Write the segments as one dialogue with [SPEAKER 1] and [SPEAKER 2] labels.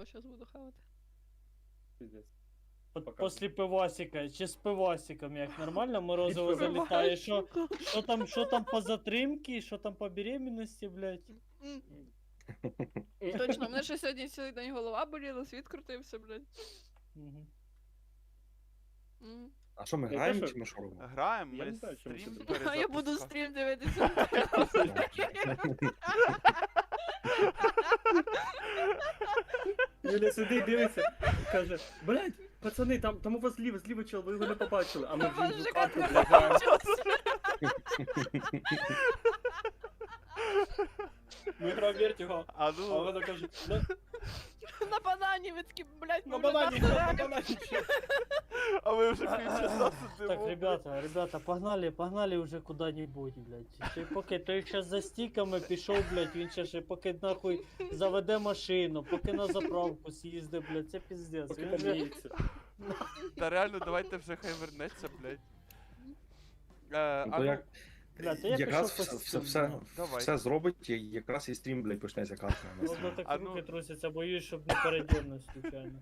[SPEAKER 1] зараз буду хавати.
[SPEAKER 2] Пиздец.
[SPEAKER 3] После пивасика, чи з пивасиком, як нормально морозиво
[SPEAKER 2] Пивасик.
[SPEAKER 3] залітає, що там по затримці, що там по беременності, блядь.
[SPEAKER 1] Точно, в мене ще сьогодні цілий день голова боліла, світ крутився, блядь.
[SPEAKER 3] Мгм.
[SPEAKER 4] А що, ми
[SPEAKER 2] Я
[SPEAKER 4] граємо
[SPEAKER 2] теж-
[SPEAKER 4] чи ми що робимо?
[SPEAKER 5] Граємо,
[SPEAKER 2] Я
[SPEAKER 5] ми
[SPEAKER 2] не знаю, чому
[SPEAKER 5] стрім
[SPEAKER 2] це
[SPEAKER 1] А я буду
[SPEAKER 5] перезапускаємо.
[SPEAKER 1] стрім дивитися.
[SPEAKER 2] Юля сидить, дивиться, каже, блядь, пацани, там у вас зліва чел, ви його не побачили, а ми вже
[SPEAKER 1] Боже,
[SPEAKER 2] хату,
[SPEAKER 1] як
[SPEAKER 2] блядь, граємо. Ми граємо Вертіго,
[SPEAKER 5] А
[SPEAKER 2] а
[SPEAKER 5] ну,
[SPEAKER 2] вона каже, «Ну,
[SPEAKER 1] На банані, ви такі, блядь,
[SPEAKER 2] на
[SPEAKER 1] ми
[SPEAKER 2] банані,
[SPEAKER 1] вже
[SPEAKER 2] на
[SPEAKER 1] там
[SPEAKER 2] банані.
[SPEAKER 5] а ми вже півчаса
[SPEAKER 3] Так,
[SPEAKER 5] сидимо.
[SPEAKER 3] ребята, погнали уже куда-нибудь, блядь. Той поки той щас за стіками пішов, блядь, він ще поки нахуй заведе машину, поки на заправку з'їздить, блядь, це піздець.
[SPEAKER 2] Поки
[SPEAKER 3] Він вже...
[SPEAKER 2] поміється.
[SPEAKER 5] Та реально, давайте вже хай вернеться, блядь. А
[SPEAKER 4] Ну, то
[SPEAKER 5] ну,
[SPEAKER 4] як,
[SPEAKER 3] Бля, то я
[SPEAKER 4] якраз
[SPEAKER 3] пішов
[SPEAKER 4] все,
[SPEAKER 3] по
[SPEAKER 4] все,
[SPEAKER 3] стіну.
[SPEAKER 5] Давай.
[SPEAKER 4] все зробить, і якраз і стрім, блядь, почнеться катка.
[SPEAKER 3] Воно так
[SPEAKER 5] А
[SPEAKER 3] руки
[SPEAKER 5] ну-
[SPEAKER 3] трусяться, боюсь, щоб не передернуть случайно.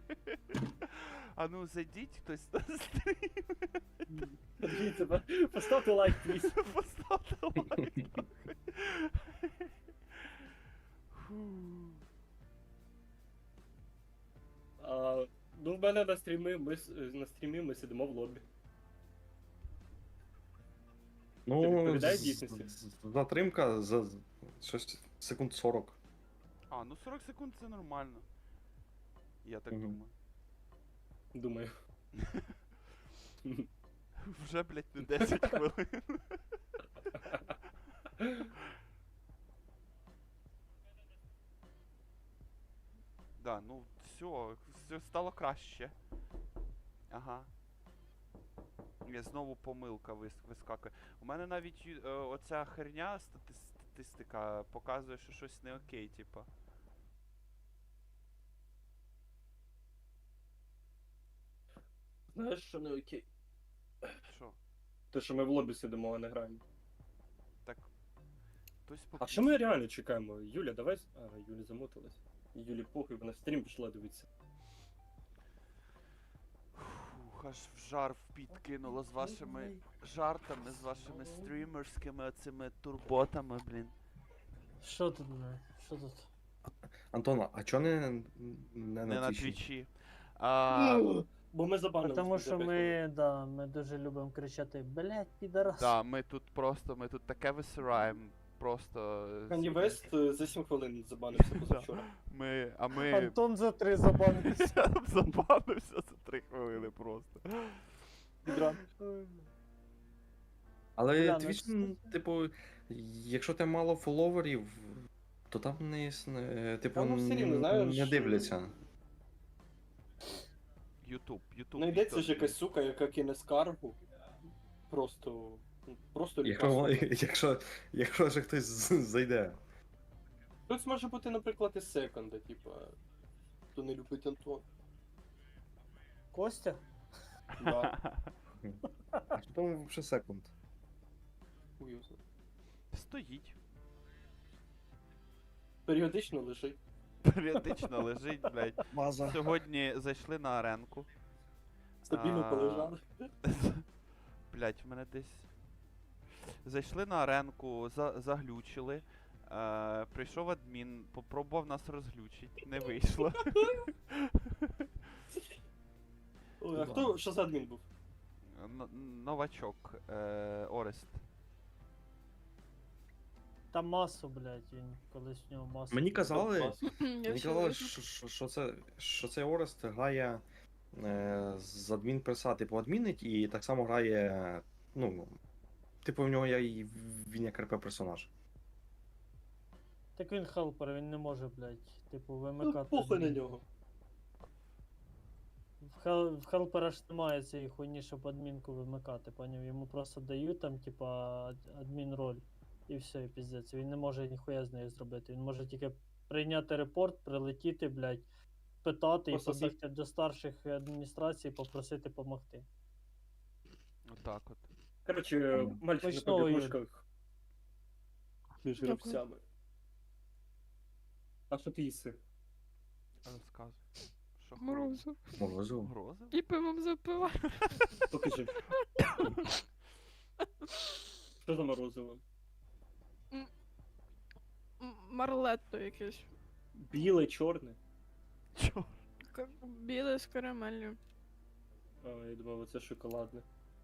[SPEAKER 5] а ну зайдіть хтось на стрім,
[SPEAKER 2] Подивіться, поставте лайк, пліз.
[SPEAKER 5] поставте лайк. Фу.
[SPEAKER 2] Ну, в мене на стрімі ми сидимо в лобі. Це
[SPEAKER 4] Ну,
[SPEAKER 2] відповідає дійсності?
[SPEAKER 4] затримка за щось секунд 40.
[SPEAKER 5] А, ну 40 секунд це нормально. Я так
[SPEAKER 4] Мгм.
[SPEAKER 5] думаю.
[SPEAKER 2] Думаю.
[SPEAKER 5] Вже, блядь, не 10 хвилин. Да, ну все стало краще. Ага. Я знову помилка вискакує. У мене навіть оця херня, статистика, показує, що щось не окей, типа.
[SPEAKER 2] Знаєш, що не окей?
[SPEAKER 5] Що?
[SPEAKER 2] Те, що ми в лобі сидимо, а не граємо.
[SPEAKER 5] Так. Хтось
[SPEAKER 2] А що ми реально чекаємо? Юля, давай. А, Юля замоталась. Юлі похуй, вона в стрім пішла дивитися.
[SPEAKER 5] Фух, аж в жар в піт кинуло з вашими жартами, з вашими стрімерськими оцими турботами, блін.
[SPEAKER 3] Що тут, блядь? Що тут?
[SPEAKER 4] Антона, а чо не
[SPEAKER 5] Не
[SPEAKER 4] на
[SPEAKER 5] на
[SPEAKER 4] твічі?
[SPEAKER 5] твічі. А,
[SPEAKER 2] Бо ми забанили.
[SPEAKER 3] Тому
[SPEAKER 2] за
[SPEAKER 3] що
[SPEAKER 2] 5
[SPEAKER 3] ми дуже любимо кричати, блядь, підарас.
[SPEAKER 5] да, ми тут таке висираємо. Просто.
[SPEAKER 2] Кані Вест за 7 хвилин забанився позавчора.
[SPEAKER 5] Ми
[SPEAKER 3] Антон за 3 забанився.
[SPEAKER 5] забанився за 3 хвилини просто.
[SPEAKER 2] Підран.
[SPEAKER 4] Але
[SPEAKER 3] Бля, ну
[SPEAKER 4] твіч,
[SPEAKER 3] це-
[SPEAKER 4] типу, якщо ти мало фоловерів, то там типу,
[SPEAKER 2] Та ну все рівно, знаєш,
[SPEAKER 4] не дивляться.
[SPEAKER 5] Ютуб.
[SPEAKER 2] Знайдеться ж
[SPEAKER 5] відео.
[SPEAKER 2] якась сука, яка кине скаргу. Просто
[SPEAKER 4] Якщо,
[SPEAKER 2] ліпа.
[SPEAKER 4] якщо ж хтось зайде.
[SPEAKER 2] Тут може бути, наприклад, і секонда, типа. Хто не любить Антон.
[SPEAKER 3] Костя?
[SPEAKER 2] Да.
[SPEAKER 4] А що там взагалі секунд?
[SPEAKER 2] Хуй його знає.
[SPEAKER 5] Стоїть.
[SPEAKER 2] Періодично лежить.
[SPEAKER 5] Періодично лежить, блядь.
[SPEAKER 4] База.
[SPEAKER 5] Сьогодні зайшли на аренку.
[SPEAKER 2] Стабільно
[SPEAKER 5] А,
[SPEAKER 2] полежали.
[SPEAKER 5] Блять, в мене десь. Зайшли на аренку, заглючили. Прийшов адмін, попробував нас розглючить, не вийшло.
[SPEAKER 2] Ой, а хто, що за адмін був?
[SPEAKER 5] Новачок, Орест.
[SPEAKER 3] Та масу, блядь, він колись в нього масу.
[SPEAKER 4] Мені казали,
[SPEAKER 1] Я
[SPEAKER 4] мені
[SPEAKER 1] всі
[SPEAKER 4] казали,
[SPEAKER 1] вижу.
[SPEAKER 4] що цей Орест грає з адмінперса, типу, адмінить, і так само грає, ну, типу, в нього він як РП персонаж.
[SPEAKER 3] Так він хелпер, він не може, блядь, типу,
[SPEAKER 2] Ну,
[SPEAKER 3] вимикати.
[SPEAKER 2] похуй на нього.
[SPEAKER 3] В хелпера ж немає цієї хуйні, щоб адмінку вимикати, поняв? Йому просто дають там, типа, адмін роль. І все, і піздець. Він не може ніхуя з нею зробити. Він може тільки прийняти репорт, прилетіти, блядь, питати і
[SPEAKER 2] Просто
[SPEAKER 3] побігти до старших адміністрацій, попросити допомогти.
[SPEAKER 5] Отак от.
[SPEAKER 2] Коротше, мальчик на
[SPEAKER 3] Почного,
[SPEAKER 2] побігушках. Між
[SPEAKER 1] Дякую.
[SPEAKER 2] гравцями. А що ти їси?
[SPEAKER 5] Розказуй. Що
[SPEAKER 1] Морозиво.
[SPEAKER 4] Морозиво.
[SPEAKER 5] Морозиво?
[SPEAKER 1] І пивом запиваю.
[SPEAKER 2] Покажи. Що за морозиво?
[SPEAKER 1] Марлетто якесь.
[SPEAKER 2] Біле, чорне.
[SPEAKER 5] Чо?
[SPEAKER 1] Біле з карамеллю.
[SPEAKER 2] А, я думав, оце шоколадне.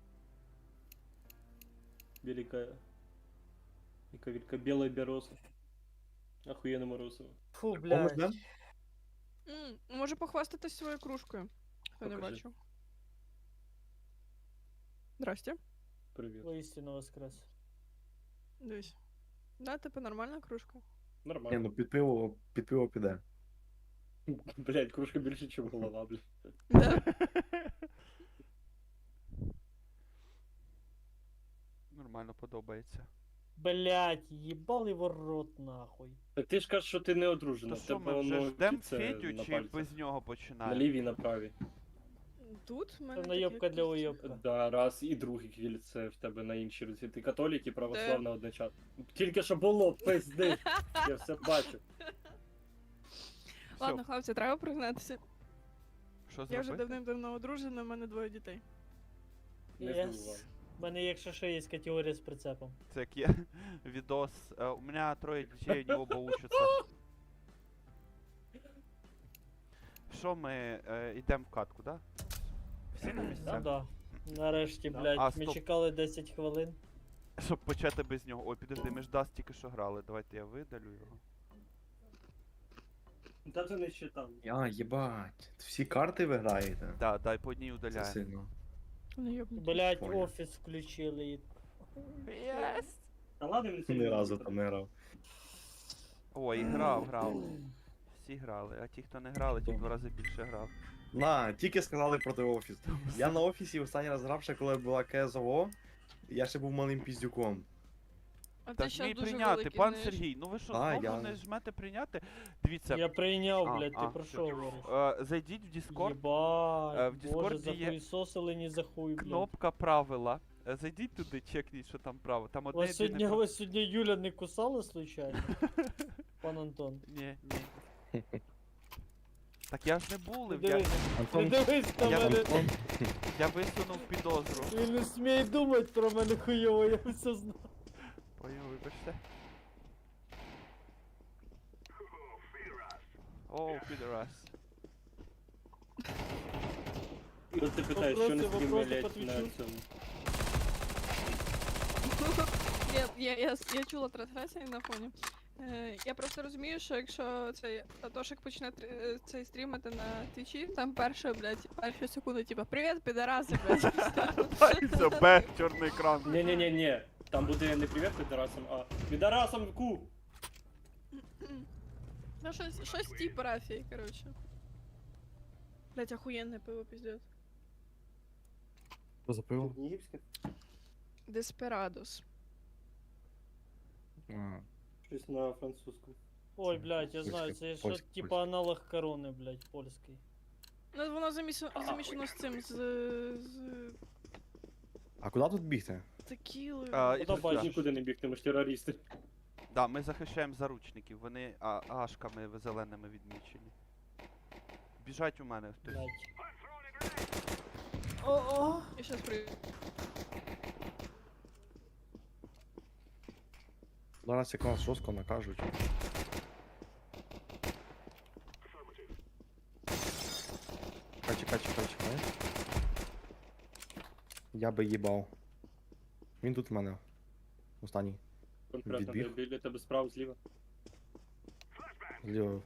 [SPEAKER 2] Велика... Яка велика біла бероза. Охуєнне морозиво.
[SPEAKER 3] Фу,
[SPEAKER 4] Помиш,
[SPEAKER 3] блядь.
[SPEAKER 4] да?
[SPEAKER 1] Може похвастатись своєю кружкою. Хто не
[SPEAKER 2] Покажи.
[SPEAKER 1] бачив. Здрасте.
[SPEAKER 2] Привіт.
[SPEAKER 3] Воістину воскрес.
[SPEAKER 1] Дивись. Да, типу нормальна кружка.
[SPEAKER 4] Ні,
[SPEAKER 2] Нормально.
[SPEAKER 4] ну під пиво піде.
[SPEAKER 2] Блять, кружка більше, ніж голова, блядь.
[SPEAKER 1] Да.
[SPEAKER 5] Нормально подобається.
[SPEAKER 3] Блядь, їбали ворот нахуй.
[SPEAKER 2] Так ти ж кажеш, що ти не одружена.
[SPEAKER 5] То
[SPEAKER 2] в
[SPEAKER 5] що
[SPEAKER 2] тебе
[SPEAKER 5] ми вже
[SPEAKER 2] воно
[SPEAKER 5] ждем
[SPEAKER 2] кільце
[SPEAKER 5] Федю
[SPEAKER 2] на
[SPEAKER 5] чи
[SPEAKER 2] пальцях.
[SPEAKER 5] без нього
[SPEAKER 2] На
[SPEAKER 5] починаємо?
[SPEAKER 2] лівій, на правій.
[SPEAKER 1] Тут в мене
[SPEAKER 3] Це
[SPEAKER 1] таке
[SPEAKER 3] наєбка для
[SPEAKER 1] кільце.
[SPEAKER 3] уєбка.
[SPEAKER 2] Да, раз і друге кільце в тебе на іншій руці. Ти католік і православна одночасно. Тільки що було, пизди. Я все бачу.
[SPEAKER 1] Ладно, хлопці, треба признатися.
[SPEAKER 5] Що
[SPEAKER 1] Я вже
[SPEAKER 5] зробити?
[SPEAKER 1] давним-давно одружена, в мене 2 дітей.
[SPEAKER 2] Не
[SPEAKER 3] Yes.
[SPEAKER 2] здивував.
[SPEAKER 3] У мене, якщо що, є категорія з прицепом.
[SPEAKER 5] Це як є відос. У мене 3 дітей, они оба учатся. Що ми йдемо в катку, да? Всі на
[SPEAKER 3] Ну
[SPEAKER 5] місцях?
[SPEAKER 3] да. Нарешті,
[SPEAKER 2] Да.
[SPEAKER 3] блядь,
[SPEAKER 5] А,
[SPEAKER 3] ми
[SPEAKER 5] стоп.
[SPEAKER 3] чекали 10 хвилин.
[SPEAKER 5] Щоб почати без нього. Ой, підожди, ми ж Дас тільки що грали. Давайте я видалю його.
[SPEAKER 2] Та це не считав.
[SPEAKER 4] А, їбать. Всі карти ви граєте?
[SPEAKER 5] Да, дай по одній
[SPEAKER 4] Це
[SPEAKER 5] удаляємо.
[SPEAKER 4] сильно.
[SPEAKER 1] Не йобнуть.
[SPEAKER 3] Блядь,
[SPEAKER 4] Понял.
[SPEAKER 3] офіс включили. і-
[SPEAKER 5] Єс!
[SPEAKER 2] Та ладно, він
[SPEAKER 4] Ні разу там не грав.
[SPEAKER 5] Ой, грав. Всі грали, а ті, хто не грали, ті в 2 рази більше грав.
[SPEAKER 4] На, тільки сказали проти офіс. Я на офісі останній раз грав ще коли була КСО. Я ще був малим піздюком.
[SPEAKER 1] А ти
[SPEAKER 5] Так
[SPEAKER 1] ще
[SPEAKER 5] мій
[SPEAKER 1] дуже
[SPEAKER 5] прийняти,
[SPEAKER 1] великий,
[SPEAKER 5] пан
[SPEAKER 1] знаєш.
[SPEAKER 5] Сергій, ну ви що,
[SPEAKER 4] А,
[SPEAKER 5] знову
[SPEAKER 4] я-
[SPEAKER 5] не жмете прийняти? Дивіться,
[SPEAKER 3] Я прийняв,
[SPEAKER 5] А,
[SPEAKER 3] блядь, ти
[SPEAKER 5] а,
[SPEAKER 3] про
[SPEAKER 5] все.
[SPEAKER 3] що говориш?
[SPEAKER 5] Зайдіть в Discord,
[SPEAKER 3] Єбать,
[SPEAKER 5] в
[SPEAKER 3] боже,
[SPEAKER 5] Discord є
[SPEAKER 3] захуїсосили не за хуй, блядь.
[SPEAKER 5] кнопка правила. Зайдіть туди, чекніть, що там право. Там одне
[SPEAKER 3] Вас
[SPEAKER 5] єдине про-
[SPEAKER 3] вас сьогодні Юля не кусала случайно? Пан Антон.
[SPEAKER 5] Ні. Так я ж не булив,
[SPEAKER 3] Не
[SPEAKER 5] я,
[SPEAKER 3] дивись, не
[SPEAKER 4] Антон,
[SPEAKER 3] дивись на
[SPEAKER 5] я-
[SPEAKER 3] мене.
[SPEAKER 4] Антон,
[SPEAKER 5] я висунув підозру.
[SPEAKER 3] Він не смій думати про мене хуйово, я все знаю.
[SPEAKER 5] Поняв, вибачте. Оу, підрас.
[SPEAKER 2] І от ти питаєш, що не
[SPEAKER 3] Вопроси,
[SPEAKER 2] стрімлять
[SPEAKER 3] вопроси по
[SPEAKER 2] на
[SPEAKER 3] Твічу?
[SPEAKER 2] цьому.
[SPEAKER 1] Я чула трансляції на фоні. Я просто розумію, що якщо цей Атошик почне цей стрімити на твічі, там перші секунди, типа, привіт, підараси, блядь.
[SPEAKER 5] Дай себе, чорний екран.
[SPEAKER 2] Ні. Там буде не привіт підарасам, а підарасам ку.
[SPEAKER 1] Ну, щось типу рафії, коротше. Блять, охуєнне пиво, піздець.
[SPEAKER 4] Що за пиво?
[SPEAKER 2] Єгипське?
[SPEAKER 1] Деспирадос.
[SPEAKER 2] Щось на французькому.
[SPEAKER 3] Ой, блядь, я знаю, це що
[SPEAKER 4] Польський,
[SPEAKER 3] типа аналог корони, блядь, польський.
[SPEAKER 1] Ну, воно замішано з цим, з
[SPEAKER 4] А куди тут бігти?
[SPEAKER 1] текілою.
[SPEAKER 5] І
[SPEAKER 3] Куди
[SPEAKER 5] тут
[SPEAKER 3] бачиш?
[SPEAKER 5] я.
[SPEAKER 2] Нікуди не бігти, ми ж терористи.
[SPEAKER 5] Да, ми захищаємо заручників, вони ашками зеленими відмічені. Біжать у мене хтось.
[SPEAKER 3] Блядь.
[SPEAKER 1] О-о! Я щас прийду.
[SPEAKER 4] Зараз як нас жорстко накажуть. Чекай. Я би їбав. Він тут в мене. Останній.
[SPEAKER 2] Конкретно
[SPEAKER 4] Відбіг.
[SPEAKER 2] біля тебе справа, зліва.
[SPEAKER 4] Зліва.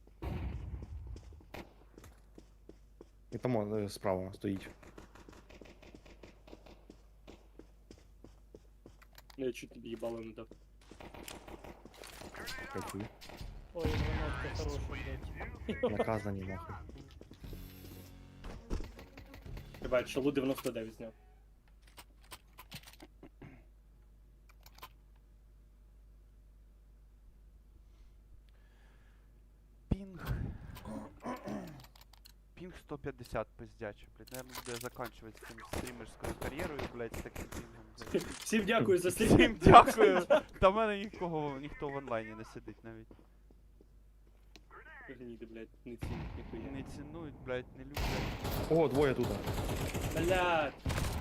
[SPEAKER 4] І там справа стоїть.
[SPEAKER 2] Я чуть тобі їбало не дав.
[SPEAKER 4] Кайфую.
[SPEAKER 3] Ой, гранатка хороша, блядь.
[SPEAKER 4] Наказані нахуй.
[SPEAKER 2] Бачиш, шалу 99 зняв.
[SPEAKER 5] Пінг. Пінг 150 пиздячий, блядь. Наверное, буду я заканчивать з цим стрімерською кар'єрою, блядь, з таким пінгом, блядь.
[SPEAKER 2] Всім дякую за стрім.
[SPEAKER 5] Всім дякую. Та в мене ніхто в онлайні не сидить навіть.
[SPEAKER 2] Гніди, блядь, не цінять ніхуя.
[SPEAKER 5] Не цінують, блядь, не люблять.
[SPEAKER 4] О, двоє тут.
[SPEAKER 2] Блядь!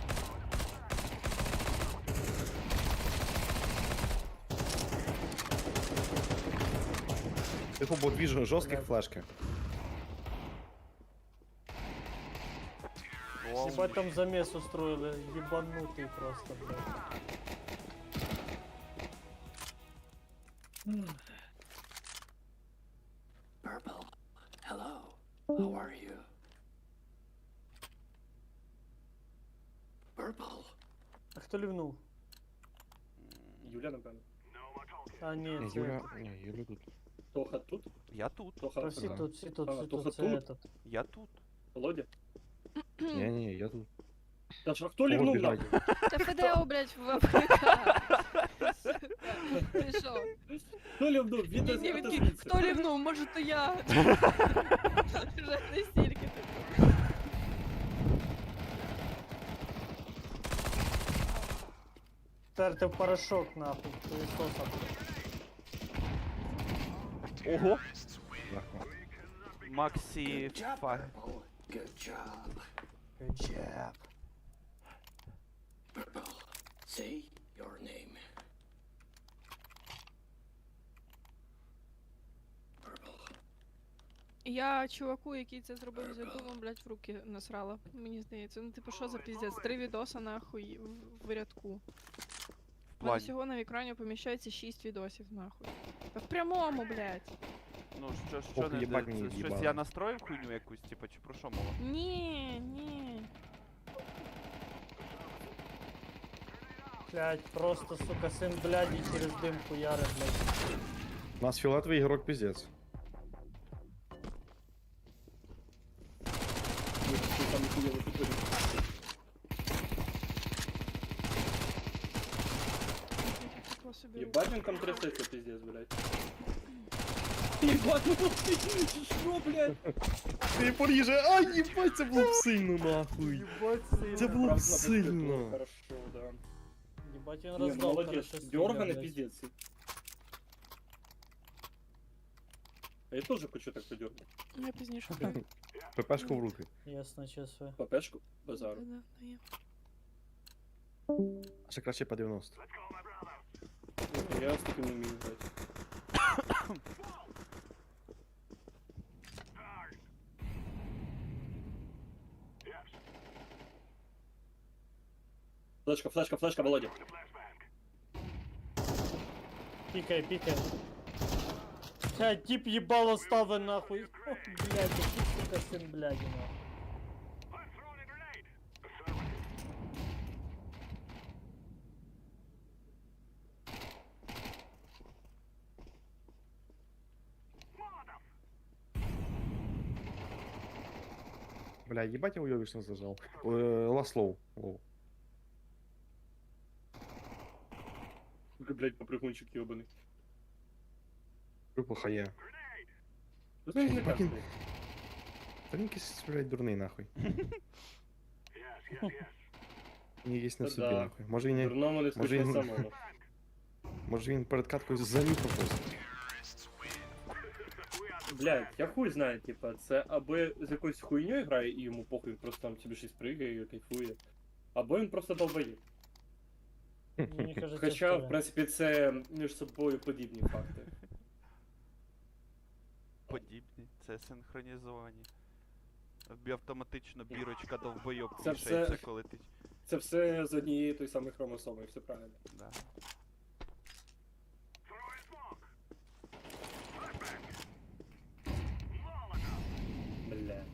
[SPEAKER 4] Тихо, бо дві жорстких флешки.
[SPEAKER 5] О,
[SPEAKER 3] Ебать там замес устроили, ебанутый просто, блядь.
[SPEAKER 6] Purple, hello. How are you? Purple.
[SPEAKER 3] А хто лівнув?
[SPEAKER 2] Юля, напевно.
[SPEAKER 3] А ні,
[SPEAKER 4] Ні,
[SPEAKER 3] це...
[SPEAKER 4] Юля тут.
[SPEAKER 2] Тоха тут?
[SPEAKER 5] я тут,
[SPEAKER 2] Тоха
[SPEAKER 3] Та всі
[SPEAKER 4] Ага.
[SPEAKER 3] тут, всі тут,
[SPEAKER 2] А,
[SPEAKER 3] всі
[SPEAKER 2] Тоха
[SPEAKER 3] тут, це
[SPEAKER 2] тут?
[SPEAKER 3] этот.
[SPEAKER 5] я тут.
[SPEAKER 2] Володя?
[SPEAKER 4] Ні, я тут.
[SPEAKER 2] Та ж, а хто
[SPEAKER 4] Кого
[SPEAKER 2] лівнув
[SPEAKER 4] біжать?
[SPEAKER 2] нахуй?
[SPEAKER 1] Та ФДО, блядь, в АФК. Ти що?
[SPEAKER 2] Хто лівнув? Він
[SPEAKER 1] Ні, ні, він такий,
[SPEAKER 2] звідси.
[SPEAKER 1] хто лівнув, може то я. Вже не стільки.
[SPEAKER 3] Терти в порошок, нахуй, пылесосом.
[SPEAKER 5] Ого!
[SPEAKER 4] Нахуй.
[SPEAKER 5] Максі
[SPEAKER 6] Good job,
[SPEAKER 5] фа.
[SPEAKER 6] Purple. Good job.
[SPEAKER 3] Good job.
[SPEAKER 6] Purple, say your name. Purple.
[SPEAKER 1] Я чуваку, який це зробив за думом, блядь, в руки насрала. Мені здається. Ну, типу, що за піздець? 3 відоса нахуй в рядку.
[SPEAKER 5] В
[SPEAKER 1] У мене
[SPEAKER 5] плані.
[SPEAKER 1] всього на екрані поміщається 6 відосів нахуй. Та в прямому, блядь.
[SPEAKER 5] Ну, що
[SPEAKER 4] Ох,
[SPEAKER 5] не
[SPEAKER 4] їбать
[SPEAKER 5] це
[SPEAKER 4] мені
[SPEAKER 5] щось
[SPEAKER 4] в'їбало.
[SPEAKER 5] я настроїв хуйню якусь, типу, чи про що мова?
[SPEAKER 1] Ні, ні.
[SPEAKER 3] Блядь, просто, сука, сын бляди через дым хуярит, блядь.
[SPEAKER 4] У нас фіолетовий ігрок піздець.
[SPEAKER 2] Ні, ти там ніхуя не підходиш.
[SPEAKER 1] Тако собі
[SPEAKER 2] Єбать він там трясеться, пиздец, блядь. Єбать, ну ти що, блядь?
[SPEAKER 4] Ти поріже, ай, їбать, це було б сильно, нахуй.
[SPEAKER 3] Ебать
[SPEAKER 4] Це
[SPEAKER 3] сильно.
[SPEAKER 4] було б
[SPEAKER 2] Правда,
[SPEAKER 4] сильно.
[SPEAKER 2] було Хорошо, да.
[SPEAKER 3] Ебать, он
[SPEAKER 2] Ні, ну
[SPEAKER 3] раздал
[SPEAKER 2] молодець,
[SPEAKER 3] хорошо
[SPEAKER 2] дёрганий
[SPEAKER 3] блядь.
[SPEAKER 2] пиздец. А я теж хочу так подергати.
[SPEAKER 1] Я пізніше прям.
[SPEAKER 4] ППшку в руки.
[SPEAKER 3] Ясно, чувствую.
[SPEAKER 2] Папешку? Базару.
[SPEAKER 1] Да, є.
[SPEAKER 4] А ще краще по 90.
[SPEAKER 2] Я з таким не вмію грати. Флешка, флешка, флешка, Володя.
[SPEAKER 3] Пикай, пикай. Блядь, тип ебало ставы нахуй. О, блядь, какой, сука, сын бляди нахуй.
[SPEAKER 4] Бля, їбать я уйобічно зажав. Last low. Лоу.
[SPEAKER 2] Блять, попрыгунчик ебаный.
[SPEAKER 4] Група хає.
[SPEAKER 2] Ну, знаєш, не
[SPEAKER 4] Ебать,
[SPEAKER 2] так,
[SPEAKER 4] він-
[SPEAKER 2] блядь.
[SPEAKER 4] Та він якийсь, блядь, дурний нахуй. Він якийсь не в
[SPEAKER 2] Та
[SPEAKER 4] собі
[SPEAKER 2] да.
[SPEAKER 4] нахуй. Може він,
[SPEAKER 2] Дурному не
[SPEAKER 4] Може,
[SPEAKER 2] скучно
[SPEAKER 4] він-
[SPEAKER 2] самому.
[SPEAKER 4] може він перед каткою занюхав просто.
[SPEAKER 2] Блядь, я хуй знаю, типа, це або з якоюсь хуйньою грає і йому похуй, просто там собі щось пригає і кайфує. Або він просто долбоєб.
[SPEAKER 3] Мне кажется,
[SPEAKER 2] Хоча,
[SPEAKER 3] что
[SPEAKER 2] в принципі, це між собою подібні факти.
[SPEAKER 5] Подібні, це синхронізовані. Тобі автоматично бірочка довбойоб
[SPEAKER 2] Це
[SPEAKER 5] вішається,
[SPEAKER 2] все-
[SPEAKER 5] коли ти.
[SPEAKER 2] Це все з однієї той самої хромосоми, все правильно.
[SPEAKER 5] Да.
[SPEAKER 2] Бля.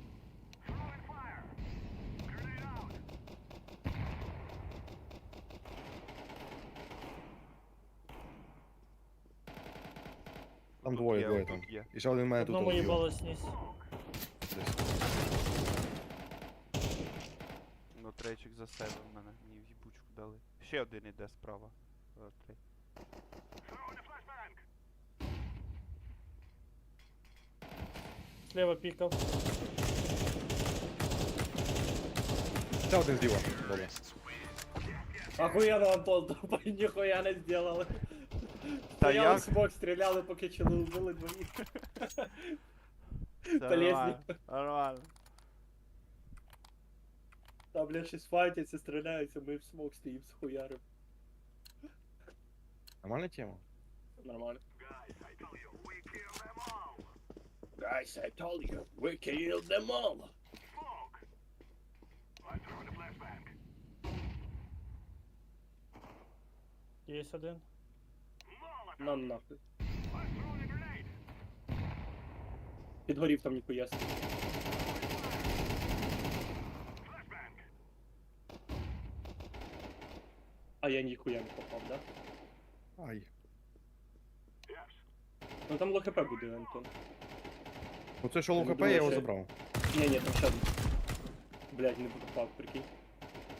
[SPEAKER 4] Там
[SPEAKER 5] Тут
[SPEAKER 4] двоє,
[SPEAKER 5] є,
[SPEAKER 4] двоє
[SPEAKER 5] тут
[SPEAKER 4] там.
[SPEAKER 5] є.
[SPEAKER 4] І ще один мене тут
[SPEAKER 3] одному
[SPEAKER 4] убив.
[SPEAKER 3] ебало снизь.
[SPEAKER 4] Десь.
[SPEAKER 5] Ну, трейчик за себе в мене. Мені в їбучку дали. Ще один іде справа. Трей.
[SPEAKER 3] Слева пикал.
[SPEAKER 4] Ще один зліва. Добре.
[SPEAKER 2] Охуєнно, Антон, тупо ніхуя не зробили.
[SPEAKER 5] Та
[SPEAKER 2] Стояли
[SPEAKER 5] як?
[SPEAKER 2] смок, стріляли, поки чили убили двоїх.
[SPEAKER 5] Все
[SPEAKER 2] Полезні.
[SPEAKER 5] нормально, нормально.
[SPEAKER 2] Там, блядь, щось файтяться, стріляються, ми в смок стоїм з хуярем.
[SPEAKER 4] Нормальна тема?
[SPEAKER 2] Нормально. Guys, I told you, we killed them all.
[SPEAKER 3] Є один.
[SPEAKER 2] На нахуй. Підгорів там ніхуя собі. А я ніхуя не попав, да?
[SPEAKER 4] Ай.
[SPEAKER 2] Ну там ЛХП буде, Антон.
[SPEAKER 4] Ну це що
[SPEAKER 2] Я
[SPEAKER 4] ЛХП,
[SPEAKER 2] думаю,
[SPEAKER 4] я його
[SPEAKER 2] що-
[SPEAKER 4] забрав.
[SPEAKER 2] Ні, там ще один. Блядь, не попав, прикинь.